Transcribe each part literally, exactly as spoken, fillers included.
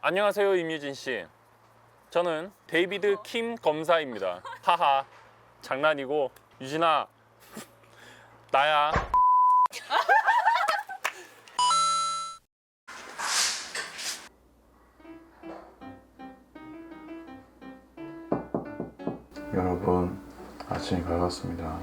안녕하세요, 임유진 씨. 저는 데이비드 킴 검사입니다. 하하, 장난이고. 유진아, 나야. 여러분, 아침이 밝았습니다.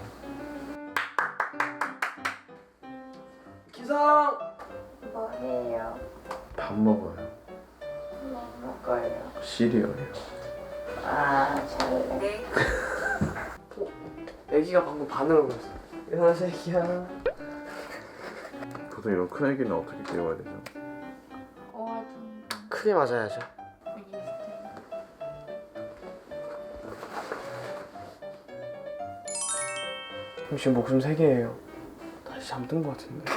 기상! 뭐해요? 밥 먹어요. 뭐 먹어요? 시리얼이요. 아, 잘래. 어? 애기가 방금 반응을 보였어. 일어나서 애기야. 보통 이런 큰 애기는 어떻게 깨워야 되죠? 어, 좀 크게 맞아야죠. 지금 목숨 세 개예요. 다시 잠든 것 같은데.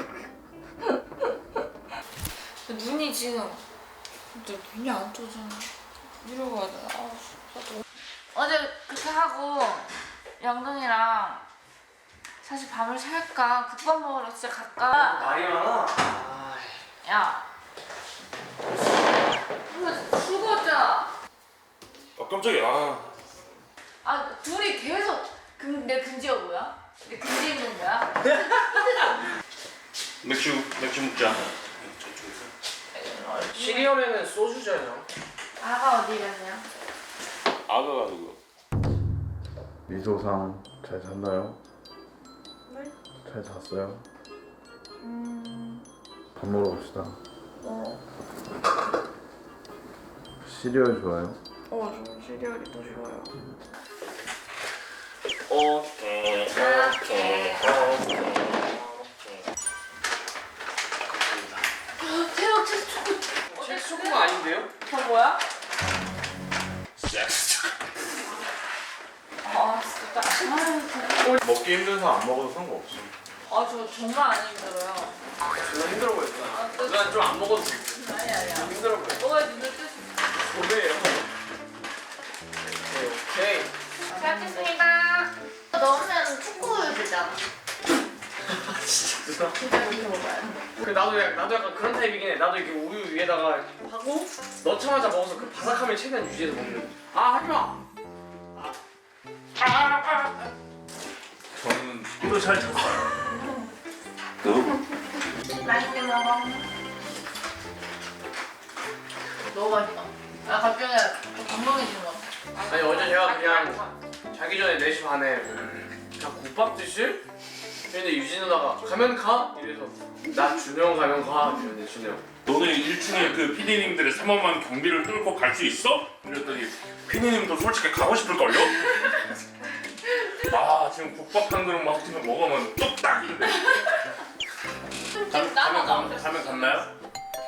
눈이 지금 근데 눈이 안 떠잖아. 이러고 해야 되나? 아, 진짜. 어제 그렇게 하고 영동이랑 사실 밤을 살까 국밥 먹으러 진짜 갈까? 말이 많아. 야, 이거 죽었잖아. 아, 깜짝이야. 아, 둘이 계속 금, 내 금지가 뭐야? 내 금지 있는 거야? 맥주, 맥주 먹자. 시리얼에는 소주잖아요. 아가 어디 갔냐? 아가가 누구? 미소상 잘 잤나요? 네? 잘 잤어요? 음, 밥 먹으러 갑시다. 어, 시리얼 좋아요? 어, 저 시리얼이 더 좋아요. 오케이, 오케이, 대박, 제 초코. 책 초코가 아닌데요? 저 뭐야? 섹스. 아, 진짜. 아유, 먹기 힘든 사람 안 먹어도 상관없어. 아, 저 정말 안 힘들어요. 누나 힘들어 보였어. 아, 또- 누나 좀 안 먹어도 돼. 아니, 아니야. 힘들어 보여. 뭐가 눈을 뜨지? 오케이요. 오케이. 잘 먹겠습니다. 넣으면 초코우유 주잖아. 진짜 누나. 진짜 그렇게 먹어야 돼. 그 나도 약간, 나도 약간 그런 타입이긴 해. 나도 이렇게 우유 위에다가 하고 넣자마자 먹어서 그 바삭함을 최대한 유지해서 먹는. 아 하지 마. 저는 또 잘 잤어요. 너? 맛있게 먹어. 너무 맛있다. 아, 갑자기 건강해진 거. 아니 어제 제가 그냥 자기 전에 네 시 반에 그냥 국밥 드실? 근데 유진 누나가 가면 가? 이래서 나 준영 가면 가 이러는데 준영 너는 일 층에 그 피디님들의 삼엄한 경비를 뚫고 갈 수 있어? 이랬더니 피디님도 솔직히 가고 싶을걸요? 아 지금 국밥 한 그릇 막 지금 먹으면 뚝딱인데 가, 가면, 가면, 가면 갔나요?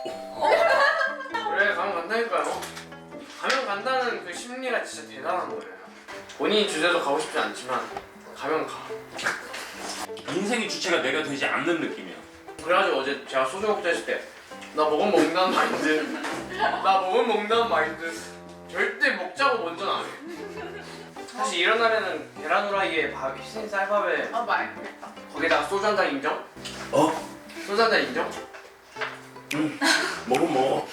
그래 가면 간다니까요. 가면 간다는 그 심리가 진짜 대단한 거예요. 본인이 주제도 가고 싶지 않지만 가면 가. 인생의 주체가 내가 되지 않는 느낌이야. 그래가지고 어제 제가 소주 먹자 했을 때 나 먹으면 먹는다는 마인드 나 먹으면 먹는다는 마인드 절대 먹자고 먼저는 안 해. 사실 이런 날에는 계란 후라이에 밥, 휘신 쌀밥에 아, 맛있겠다. 거기다가 소주 한 잔 인정? 어? 소주 한 잔 인정? 먹으면 먹어.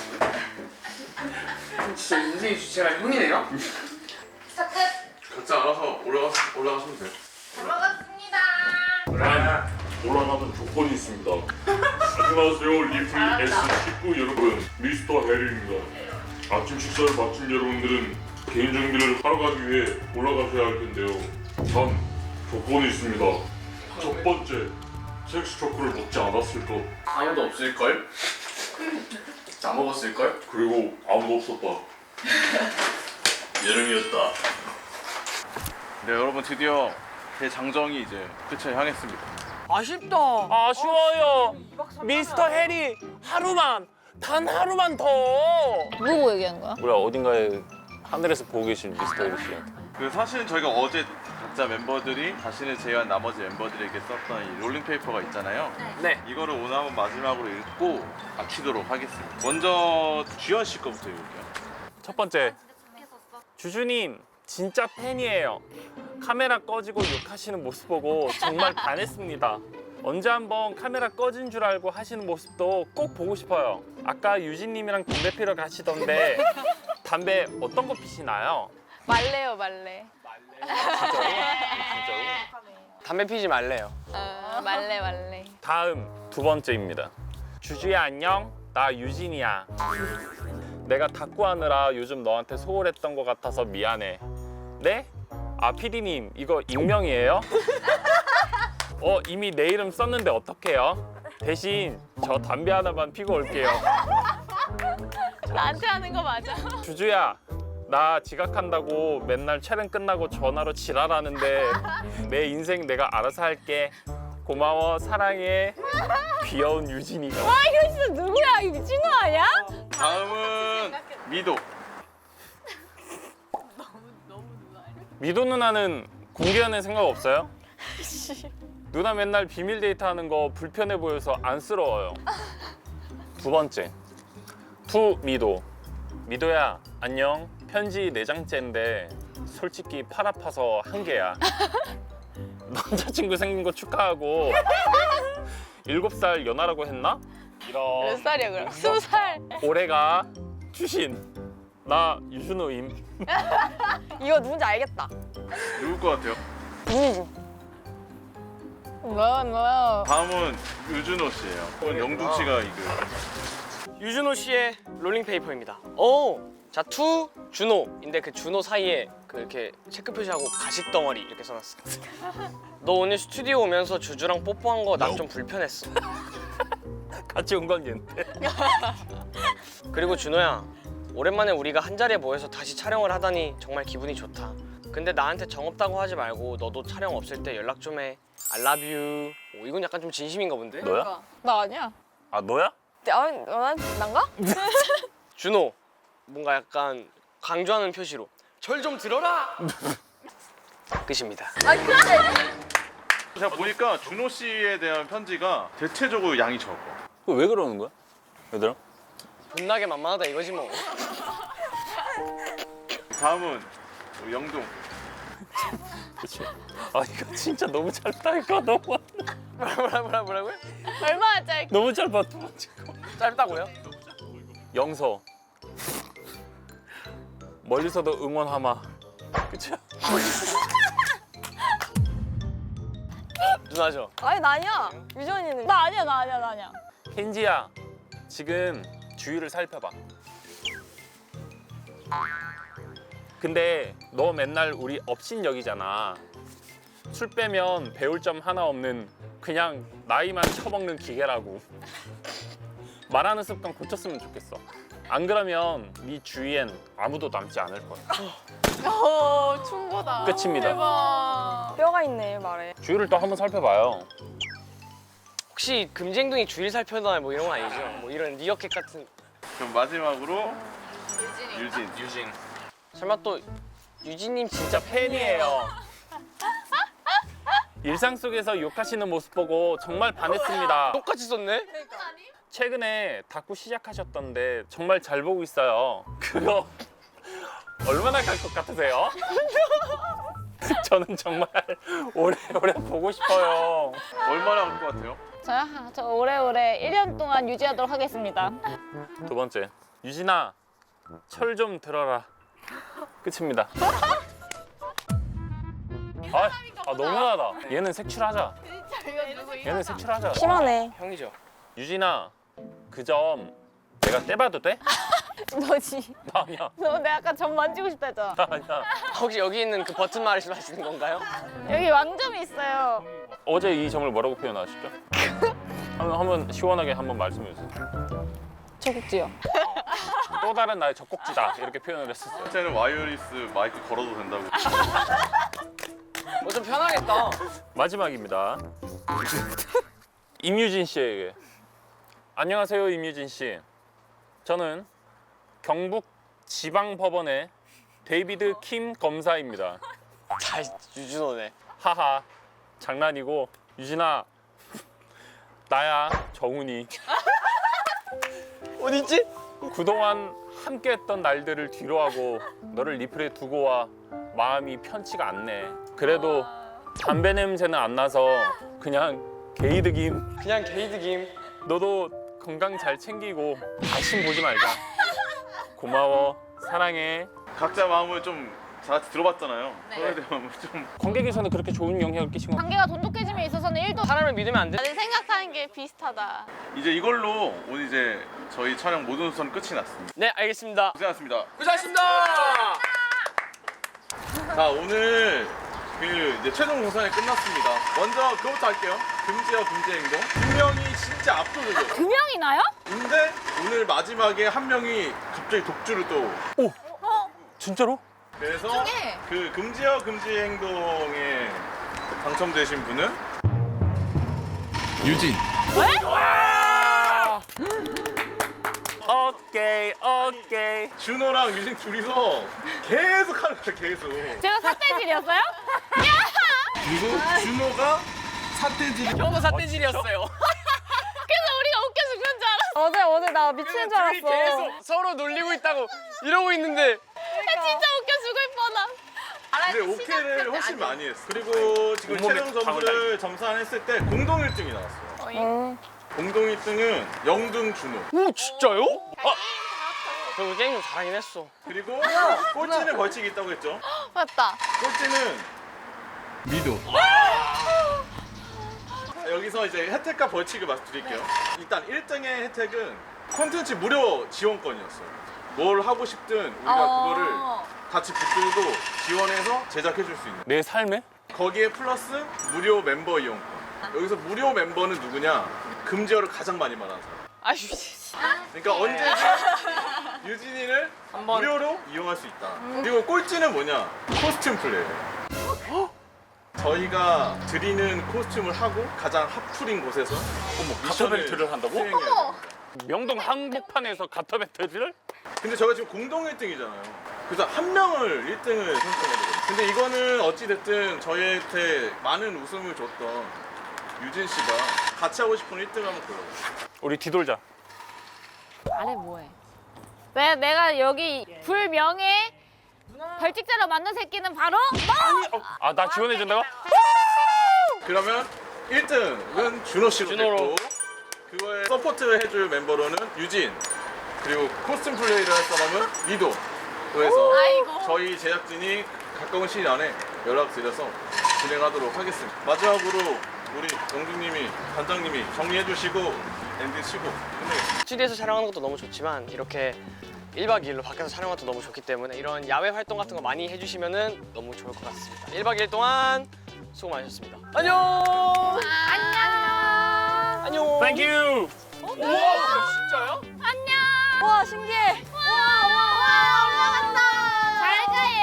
진짜 인생의 주체가 형이네요? 스타 끝. 각자 알아서 올라가, 올라가시면 돼요. 잘 먹었습니다. 단 올라가는 조건이 있습니다. 안녕하세요 리플 에스 십구 여러분, 미스터 해리입니다. 아침 식사를 마친 여러분들은 개인 정비를 하러 가기 위해 올라가셔야 할 텐데요. 단 조건이 있습니다. 첫 번째, 섹스 초코를 먹지 않았을 것, 아무도 없을걸? 다 먹었을걸? 그리고 아무도 없었다. 여름이었다. 네 여러분, 드디어 제 장정이 이제 끝을 향했습니다. 아쉽다. 아쉬워요. 미스터 해리, 하루만, 단 하루만 더. 누구 얘기하는 거야? 뭐야, 어딘가에 하늘에서 보고 계신 미스터 해리 씨한테. 그 사실은 저희가 어제 각자 멤버들이 자신을 제외한 나머지 멤버들에게 썼던 이 롤링페이퍼가 있잖아요. 네. 이거를 오늘 한번 마지막으로 읽고 마치도록 하겠습니다. 먼저 주현 씨 거부터 읽을게요. 첫 번째, 주주님 진짜 팬이에요. 카메라 꺼지고 욕하시는 모습 보고 정말 반했습니다. 언제 한번 카메라 꺼진 줄 알고 하시는 모습도 꼭 보고 싶어요. 아까 유진님이랑 담배 피러 가시던데 담배 어떤 거 피시나요? 말래요 말래. 진짜로? 진짜로? 담배 피지 말래요. 어, 말래 말래. 다음 두 번째입니다. 주주야 안녕. 나 유진이야. 내가 탁구 하느라 요즘 너한테 소홀했던 것 같아서 미안해. 네? 아 피디님 이거 익명이에요? 어 이미 내 이름 썼는데 어떡해요? 대신 저 담배 하나만 피고 올게요. 나한테 하는 거 맞아? 주주야 나 지각한다고 맨날 촬영 끝나고 전화로 지랄하는데 내 인생 내가 알아서 할게. 고마워 사랑해. 귀여운 유진이가. 아 이거 진짜 누구야? 이거 미친거 아니야? 다음은 미도. 미도 누나는 공개 연애 생각 없어요? 누나 맨날 비밀 데이트 하는 거 불편해 보여서 안쓰러워요. 두 번째, 투 미도. 미도야 안녕. 편지 네 장째인데 솔직히 팔 아파서 한 개야. 남자친구 생긴 거 축하하고 일곱 살 연하라고 했나? 이런. 몇 살이야 그럼? 스무 살. 올해가 주신 나 유준호임. 이거 누군지 알겠다. 누굴 것 같아요? 뭐 뭐. 다음은 유준호 씨예요. 이건 영중 씨가 이거. 유준호 씨의 롤링페이퍼입니다. 오! 자, 투 준호인데 그 준호 사이에 그 이렇게 체크 표시하고 가식 덩어리 이렇게 써놨어. 너 오늘 스튜디오 오면서 주주랑 뽀뽀한 거 나 좀 불편했어. 같이 온 건 얘인데. 그리고 준호야, 오랜만에 우리가 한 자리에 모여서 다시 촬영을 하다니 정말 기분이 좋다. 근데 나한테 정 없다고 하지 말고 너도 촬영 없을 때 연락 좀 해. I love you. 오, 이건 약간 좀 진심인가 본데? 너야? 나 아니야. 아 너야? 아, 난 난가? 준호, 뭔가 약간 강조하는 표시로 절 좀 들어라! 끝입니다. 제가 보니까 준호 씨에 대한 편지가 대체적으로 양이 적어. 왜 그러는 거야? 얘들아? 존나게 만만하다 이거지 뭐. 다음은 우리 영동. 그치? 아 이거 진짜 너무 짧다 이거 너무 뭐라 뭐라 뭐라고요? 얼마나 짧게? 너무 짧아 두 번째 거. 짧다고요? 영서 멀리서도 응원하마. 그치? 누나죠? 아니 나 아니야. 유전이는. 나 아니야 나 아니야 나 아니야. 켄지야 지금 주위를 살펴봐. 근데 너 맨날 우리 업신여기잖아. 술 빼면 배울 점 하나 없는 그냥 나이만 처먹는 기계라고. 말하는 습관 고쳤으면 좋겠어. 안 그러면 네 주위엔 아무도 남지 않을 거야. 오 충고다. 끝입니다. 대박. 뼈가 있네 말에. 주위를 또 한번 살펴봐요. 혹시 금쟁둥이 주일 살펴나 뭐 이런 건 아니죠? 뭐 이런 리어캣 같은. 그럼 마지막으로 유진. 유진 설마 또 유진님 진짜 진짜 팬이에요. 일상 속에서 욕하시는 모습 보고 정말 반했습니다. 똑같이 썼네? 최근에 닦고 시작하셨던데 정말 잘 보고 있어요. 그거 얼마나 갈 것 같으세요? 저는 정말 오래오래 보고 싶어요. 얼마나 할 것 같아요? 저요? 저 오래오래 일 년 동안 유지하도록 하겠습니다. 두 번째, 유진아, 철 좀 들어라. 끝입니다. 아, 아 너무하다. 얘는 색출하자. 얘는 색출하자. 심하네. 형이죠. 유진아, 그 점 내가 떼봐도 돼? 너지. 나 아니야. 너 내가 아까 점 만지고 싶다 했잖아. 나 아니야. 혹시 여기 있는 그 버튼 말씀하시는 건가요? 여기 왕점이 있어요. 어제 이 점을 뭐라고 표현하셨죠? 한번, 한번 시원하게 한번 말씀해 주세요. 저국지요. 또 다른 나의 젖꼭지다 이렇게 표현을 했었어요. 실제는 와이어리스 마이크 걸어도 된다고. 어, 좀 편하겠다. 마지막입니다. 임유진 씨에게. 안녕하세요, 임유진 씨. 저는 경북 지방법원의 데이비드 킴 검사입니다. 다 유준호네. 하하, 장난이고. 유진아, 나야, 정훈이. 어딨지? 그동안 함께했던 날들을 뒤로하고 너를 리플에 두고 와 마음이 편치가 않네. 그래도 담배 냄새는 안 나서 그냥 게이드김. 그냥 게이드김. 너도 건강 잘 챙기고 다신 보지 말자. 고마워. 사랑해. 각자 마음을 좀 다 같이 들어봤잖아요. 네. 서로에 대한 마음을 좀 관객에서는 그렇게 좋은 영향을 끼친 거. 관계가 돈독해짐에 있어서는 일도 사람을 믿으면 안 돼. 다들 생각하는 게 비슷하다. 이제 이걸로 오늘 이제 저희 촬영 모든 수선 끝이 났습니다. 네, 알겠습니다. 고생하셨습니다. 고생하셨습니다. 자, 오늘 그 이제 최종 공산이 끝났습니다. 먼저 그거부터 할게요. 금지와 금지 행동. 두 명이 진짜 압도적이에요. 두 명이나요? 근데 오늘 마지막에 한 명이 갑자기 독주를 또. 진짜로? 그래서 중에. 그 금지와 금지 행동에 당첨되신 분은 유진. 오케이 오케이. 준호랑 유진 둘이서 계속 하는 거야, 계속. 제가 삿대질이었어요? 그리고 준호가 사태질. 형도 삿대질이었어요. 그래서 우리가 웃겨 죽는 줄 알았어. 어제 오늘 나 미치는 줄 둘이 계속 서로 놀리고 있다고 이러고 있는데 나 진짜 웃겨 죽을 뻔함. 근데 오케이를 훨씬 많이 했어. 그리고 지금 온몸에 최종 점수를 점산했을 때 공동 일 등이 나왔어요. 공동 일 등은 영등 준호. 오 진짜요? 아, 저 게임 좀 잘하긴 했어. 그리고 꼴찌는 벌칙이 있다고 했죠. 맞다. 꼴찌는 미도. 여기서 이제 혜택과 벌칙을 말씀드릴게요. 일단 일 등의 혜택은 콘텐츠 무료 지원권이었어요. 뭘 하고 싶든 우리가 그거를 같이 붙들고 지원해서 제작해 줄 수 있는. 내 삶에? 거기에 플러스 무료 멤버 이용권. 여기서 무료 멤버는 누구냐? 금지어를 가장 많이 말하는 사람. 아유, 그러니까 언제든 유진이를 한번. 무료로 이용할 수 있다. 그리고 꼴찌는 뭐냐? 코스튬 플레이. 저희가 드리는 코스튬을 하고 가장 핫플인 곳에서 가터벨트를 한다고? 수행해야 됩니다. 명동 한복판에서 가터벨트를? 근데 저희가 지금 공동 일 등이잖아요. 그래서 한 명을 일 등을 선정해야 되거든요. 근데 이거는 어찌됐든 저희한테 많은 웃음을 줬던 유진 씨가 같이 하고 싶은 일 등 한번 골라보세요. 우리 뒤돌자. 아래 뭐해? 왜 내가 여기 불명예 벌칙자로 만든 새끼는 바로 너! 아 나 지원해 준다고? 그러면 일 등은 준호 씨로 준호로. 됐고 그거에 서포트 해줄 멤버로는 유진, 그리고 코스튬 플레이를 할 사람은 미도. 그래서 아이고. 저희 제작진이 가까운 시일 안에 연락드려서 진행하도록 하겠습니다. 마지막으로 우리 영준님이, 단장님이 정리해 주시고 엔딩 치고 끝내겠습니다. 스튜디오에서 촬영하는 것도 너무 좋지만 이렇게 일 박 이 일로 밖에서 촬영하는 것도 너무 좋기 때문에 이런 야외 활동 같은 거 많이 해주시면 너무 좋을 것 같습니다. 일 박 이 일 동안 수고 많으셨습니다. 안녕! 안녕. 안녕! Thank you. 우와, 진짜요? 안녕. 와 신기해. 와와와 올라간다. 잘가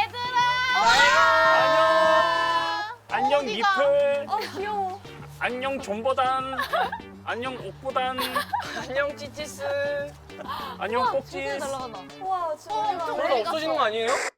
얘들아. 안녕 니플. 어 귀여워. 안녕 존버단. 안녕 옥보단. 안녕 찌찌스. 안녕 꼭지. 날아간다. 와 진짜. 그러다 없어지는 거 아니에요?